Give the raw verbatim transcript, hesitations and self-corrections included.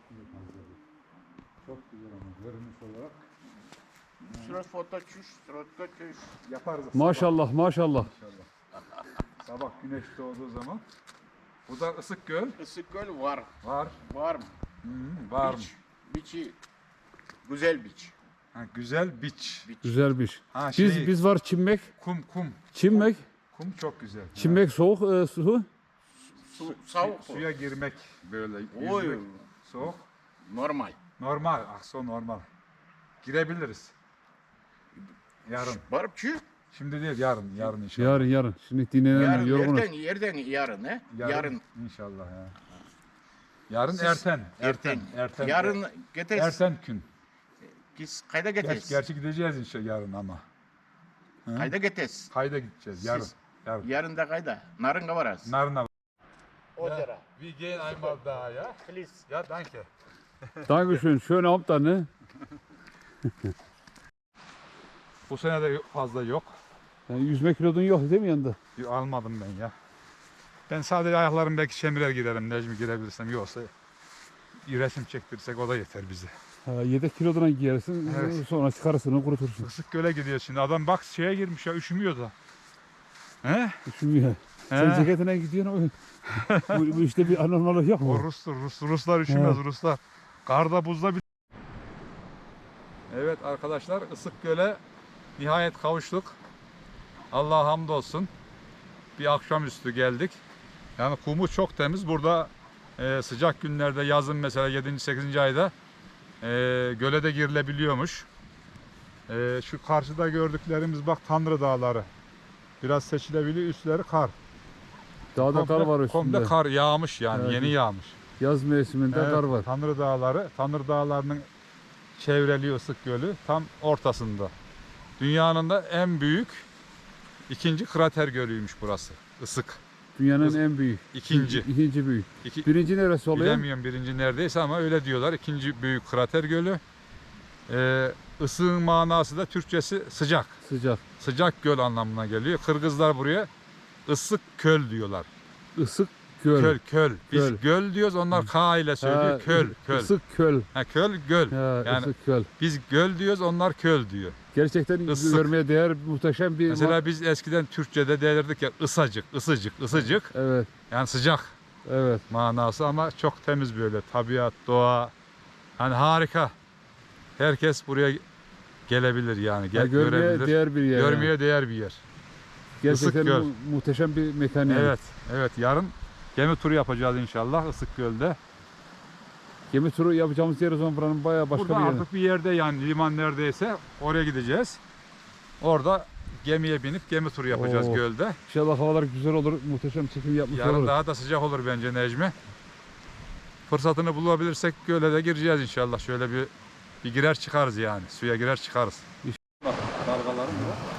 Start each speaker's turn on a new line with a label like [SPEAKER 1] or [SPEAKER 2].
[SPEAKER 1] Çok güzel ama görünüş olarak.
[SPEAKER 2] Şurada foto çüş, şurada çüş.
[SPEAKER 1] Yaparız.
[SPEAKER 3] Maşallah
[SPEAKER 1] sabah.
[SPEAKER 3] maşallah.
[SPEAKER 1] İnşallah. Sabah güneş doğduğu zaman. Bu da ısık göl.
[SPEAKER 2] Isık göl var.
[SPEAKER 1] Var.
[SPEAKER 2] Var mı?
[SPEAKER 1] Hı, var mı?
[SPEAKER 2] Biç. Biçi. Güzel biç.
[SPEAKER 1] Ha, güzel biç.
[SPEAKER 2] Biç.
[SPEAKER 3] Güzel bir iş.
[SPEAKER 1] Ha,
[SPEAKER 3] Biz
[SPEAKER 1] şey,
[SPEAKER 3] biz var çimmek.
[SPEAKER 1] kum kum.
[SPEAKER 3] Çimmek.
[SPEAKER 1] Kum çok güzel.
[SPEAKER 3] Çimmek soğuk e, su.
[SPEAKER 2] Su,
[SPEAKER 1] Ha,
[SPEAKER 2] soğuk.
[SPEAKER 1] su- suya girmek böyle.
[SPEAKER 2] Oy.
[SPEAKER 1] Yüzmek soğuk.
[SPEAKER 2] Normal.
[SPEAKER 1] Normal. Akso normal. Girebiliriz. Yarın.
[SPEAKER 2] Var mı çü?
[SPEAKER 1] Şimdi değil yarın. Yarın inşallah.
[SPEAKER 3] Yarın yarın. Şimdi dinlenen
[SPEAKER 2] Yarın,
[SPEAKER 3] yorgunuz.
[SPEAKER 2] yerden, yerden yarın he?
[SPEAKER 1] Yarın.
[SPEAKER 2] Yarın.
[SPEAKER 1] İnşallah ya. Yarın
[SPEAKER 2] Siz-
[SPEAKER 1] erten.
[SPEAKER 2] Erten.
[SPEAKER 1] Erten.
[SPEAKER 2] Yarın getiririz.
[SPEAKER 1] Erten gün.
[SPEAKER 2] Biz kayda
[SPEAKER 1] Ger
[SPEAKER 2] getiririz.
[SPEAKER 1] gerçi gideceğiz inşallah yarın ama. Hı?
[SPEAKER 2] Kayda getiririz.
[SPEAKER 1] Kayda gideceğiz yarın.
[SPEAKER 2] Siz-
[SPEAKER 1] Yarın.
[SPEAKER 2] Yarın da kayda. Narınga varız.
[SPEAKER 1] Narna.
[SPEAKER 2] Ozera.
[SPEAKER 1] Wir gehen einmal da ya.
[SPEAKER 2] Please.
[SPEAKER 1] Ja, danke.
[SPEAKER 3] Dankeschön. Schöne Abend dann, ne?
[SPEAKER 1] Bu sene de fazla yok.
[SPEAKER 3] Yani yüzme kilodun yok değil mi yanında?
[SPEAKER 1] Almadım ben ya. Ben sadece ayaklarım belki şemirer girerim. Necmi girebilirsem. Yoksa bir resim çektirsek o da yeter bize.
[SPEAKER 3] Ha, yedek kiloduna giyersin.
[SPEAKER 1] Evet.
[SPEAKER 3] Sonra çıkarırsın onu kurutursun.
[SPEAKER 1] Isık göle gidiyor şimdi. Adam bak şeye girmiş ya üşümüyor da. He?
[SPEAKER 3] Üşümüyor. Sen ceketine gidiyorsun. bu, bu işte bir anormallik yok mu?
[SPEAKER 1] O Rus'tur. Rus, Ruslar üşümez Ruslar. Karda buzda bir... Evet arkadaşlar Isık Göl'e nihayet kavuştuk. Allah'a hamdolsun. Bir akşamüstü geldik. Yani kumu çok temiz. Burada e, sıcak günlerde yazın mesela yedinci sekizinci ayda e, göle de girilebiliyormuş. E, şu karşıda gördüklerimiz bak Tanrı Dağları. Biraz seçilebiliyor. Üstleri kar.
[SPEAKER 3] Dağda kar var üstünde.
[SPEAKER 1] Komple kar yağmış yani.
[SPEAKER 3] Evet.
[SPEAKER 1] Yeni yağmış.
[SPEAKER 3] Yaz mevsiminde
[SPEAKER 1] Evet,
[SPEAKER 3] kar var.
[SPEAKER 1] Tanrı Dağları, Tanrı Dağları'nın çevreliği Isık Gölü tam ortasında. Dünyanın da en büyük ikinci krater gölüymüş burası. Isık.
[SPEAKER 3] Dünyanın
[SPEAKER 1] Is-
[SPEAKER 3] en büyük.
[SPEAKER 1] İkinci.
[SPEAKER 3] İkinci büyük.
[SPEAKER 1] İki,
[SPEAKER 3] Birinci neresi oluyor?
[SPEAKER 1] bilemiyorum birinci neredeyse ama öyle diyorlar. İkinci büyük krater gölü. Ee, ısığın manası da Türkçesi sıcak.
[SPEAKER 3] Sıcak.
[SPEAKER 1] Sıcak göl anlamına geliyor. Kırgızlar buraya ısık köl diyorlar.
[SPEAKER 3] Isık göl.
[SPEAKER 1] Köl, köl. Biz
[SPEAKER 3] Köl.
[SPEAKER 1] göl diyoruz, onlar K ile söylüyor.
[SPEAKER 3] Ha,
[SPEAKER 1] köl, köl.
[SPEAKER 3] Isık köl.
[SPEAKER 1] Ha, köl, göl.
[SPEAKER 3] Ha,
[SPEAKER 1] Yani
[SPEAKER 3] ısık köl.
[SPEAKER 1] biz göl diyoruz, onlar köl diyor.
[SPEAKER 3] Gerçekten
[SPEAKER 1] Isık.
[SPEAKER 3] görmeye değer muhteşem bir...
[SPEAKER 1] Mesela biz eskiden Türkçe'de derdik ya ısacık, ısıcık, ısıcık.
[SPEAKER 3] Evet,
[SPEAKER 1] Yani sıcak
[SPEAKER 3] evet.
[SPEAKER 1] manası ama çok temiz böyle. Tabiat, doğa. Hani harika. Herkes buraya gelebilir yani. Gel,
[SPEAKER 3] Ya görmeye
[SPEAKER 1] görebilir.
[SPEAKER 3] değer bir yer. yani.
[SPEAKER 1] Görmeye değer bir yer.
[SPEAKER 3] Gerçekten
[SPEAKER 1] Isık göl.
[SPEAKER 3] mu- muhteşem bir mekan yani.
[SPEAKER 1] Evet, evet. Yarın gemi turu yapacağız inşallah Isık Göl'de.
[SPEAKER 3] Gemi turu yapacağımız yer o zaman buranın bayağı başka
[SPEAKER 1] Burada
[SPEAKER 3] bir yer.
[SPEAKER 1] artık bir yerde yani liman neredeyse oraya gideceğiz. Orada gemiye binip gemi turu yapacağız
[SPEAKER 3] Oo.
[SPEAKER 1] gölde.
[SPEAKER 3] İnşallah havalar güzel olur, muhteşem çekim yapmış
[SPEAKER 1] Yarın
[SPEAKER 3] oluruz.
[SPEAKER 1] daha da sıcak olur bence Necmi. Fırsatını bulabilirsek göle de gireceğiz inşallah. Şöyle bir bir girer çıkarız yani. Suya girer çıkarız.
[SPEAKER 3] Bak dalgaların var.